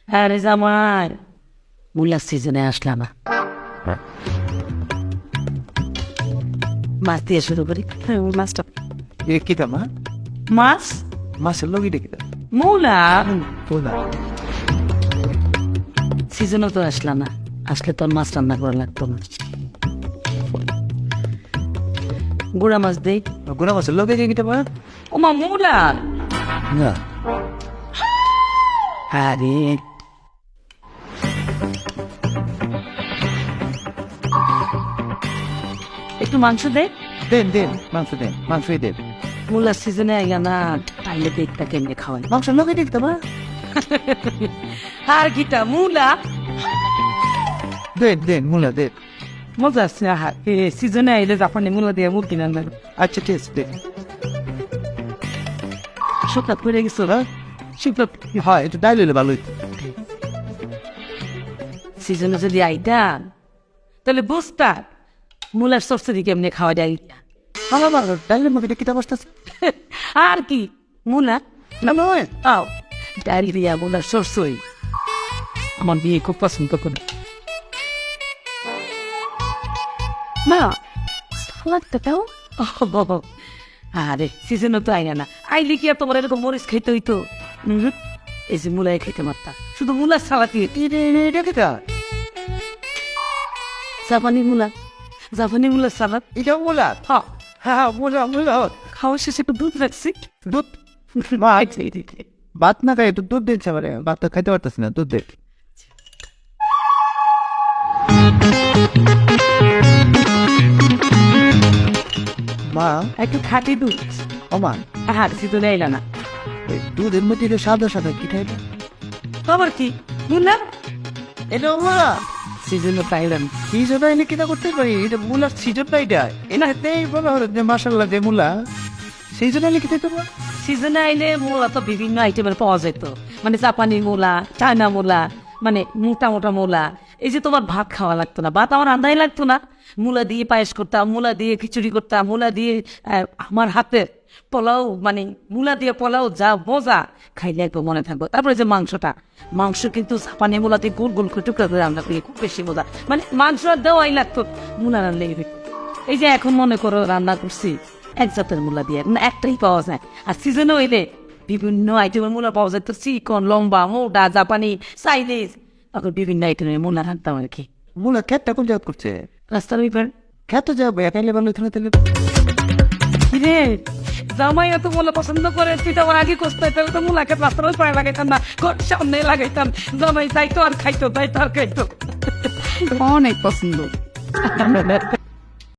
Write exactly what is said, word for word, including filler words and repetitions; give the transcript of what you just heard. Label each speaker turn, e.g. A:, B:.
A: আরে জামাই মূলার সিজনে আসলাম না, মাছ দিয়ে শুরু করি। মাছটা
B: এ কিতা মা
A: মাছ
B: মাছের লগিটা কিতা
A: মূলা
B: তোলা
A: সিজনও তো আসলাম না, আসলে তোর মাছ রান্না করা লাগতো না। গুড়া মাছ দেই।
B: গুনা মাছের লগে কিতা মা
A: ওমা মূলা
B: না
A: আরে একটু মাংস দে।
B: দেন দেন মাংস দেন মাংসই দেন
A: মূলার সিজনে আইয়া না তাইলে দেখটা কেমনে খাওয়াই।
B: মাংসের লগে কিতা মা
A: আর কিটা মূলা
B: দেন দেন মুলা দেন
A: মজা আছে। সিজনে আইলে জাপানি মূলা দিয়ে মুরগি রান্না
B: আচ্ছা ঠিক আছে দেন
A: শুকনা পড়ে গেছো না শুকনা।
B: হয় একটু ডাইল হইলে ভালো হইতো
A: সিজনে যদি আইতা তাহলে বুঝতা মূলার সরসরি কেমনে খাওয়া যায়।
B: ভালো ভালো ডাইলের মধ্যে কিতা বসতেছে
A: আর কি মূলা
B: না নয়
A: আও ডায়রিয়া মূলার সরসই আমার বিয়ে খুব পছন্দ করে। মা সালাদটা দাও। বাবা আরে সিজনও তো আইনা না, আইলে কি আর তোমার এরকম মরিচ খাইতে হইতো? হুম, এই যে মূলাই খাইতে মারতা, শুধু মূলার সালাদ দিয়ে
B: এটা কিতা
A: জাপানি মূলা, জাপানি মূলার সালাদ।
B: এটা মুলা
A: হ্যাঁ
B: হ্যাঁ মুলা মুলা
A: খাওয়া শেষে একটু দুধ রাখছি।
B: দুধ মা ভাত না খাই একটু দুধ দিচ্ছে আমার ভাত তো খাইতে পারতেছি না দুধ দেখ মা
A: একটু খাটি দুধ।
B: ও মা
A: হ্যাঁ সিজনে আইলা না,
B: এই দুধের মধ্যে এটা সাদা সাদা কি খাইবে
A: খবর কি মূলা
B: এটা মুলা
A: সিজনে পাইলাম।
B: কি জন্য এনে কিনা করতে পারি এটা মুলার সিজন না এটা এনা হেতেই বলা হলো যে মাশাআল্লাহ যে মুলা সেই জন্য এনে খেতে পারবো
A: সিজনে আইলে মূলা তো বিভিন্ন আইটেমের পাওয়া যেত, মানে জাপানি মূলা, চায়না মূলা, মানে মোটা মোটা মূলা। এই যে তোমার ভাত খাওয়া লাগতো না, ভাত আমার রান্নাই লাগতো না, মূলা দিয়ে পায়েস করতাম, মূলা দিয়ে খিচুড়ি করতাম, মূলা দিয়ে আহ, আমার হাতের পোলাও, মানে মূলা দিয়ে পোলাও যা মজা, খাইলে একবার মনে থাকবো। তারপরে যে মাংসটা, মাংস কিন্তু জাপানি মূলা দিয়ে গোল গোল করে টুকরা করে রান্না করি, খুব বেশি মজা, মানে মাংস আর দেওয়াই লাগতো, মূলা রান্নাই হইতো। এই যে এখন মনে করো রান্না করছি এক জাতের মূলা দিয়ে, মানে একটাই পাওয়া যায়। আর সিজনে হইলে বিভিন্ন আইটেমের মূলা পাওয়া যায়, তো চিকন, লম্বা, মোটা, জাপানি, চাইনিজ, তখন বিভিন্ন আইটেমের মূলা রাখতাম আর কি।
B: মুলা খেতটা কোন জায়গা করছে
A: রাস্তার ওইবার
B: খেতে যাবো একাইলে ভালো হইতো না তাহলে
A: কিরে জামাই এত মূলা পছন্দ করে, তুই তো আমার আগে কষতে, তাহলে তো মূলাকে রাস্তার ওই পায়ে লাগাইতাম না, ঘর সামনে লাগাইতাম, জামাই যাইতো আর খাইতো, যাইতো আর খাইতো। অনেক পছন্দ।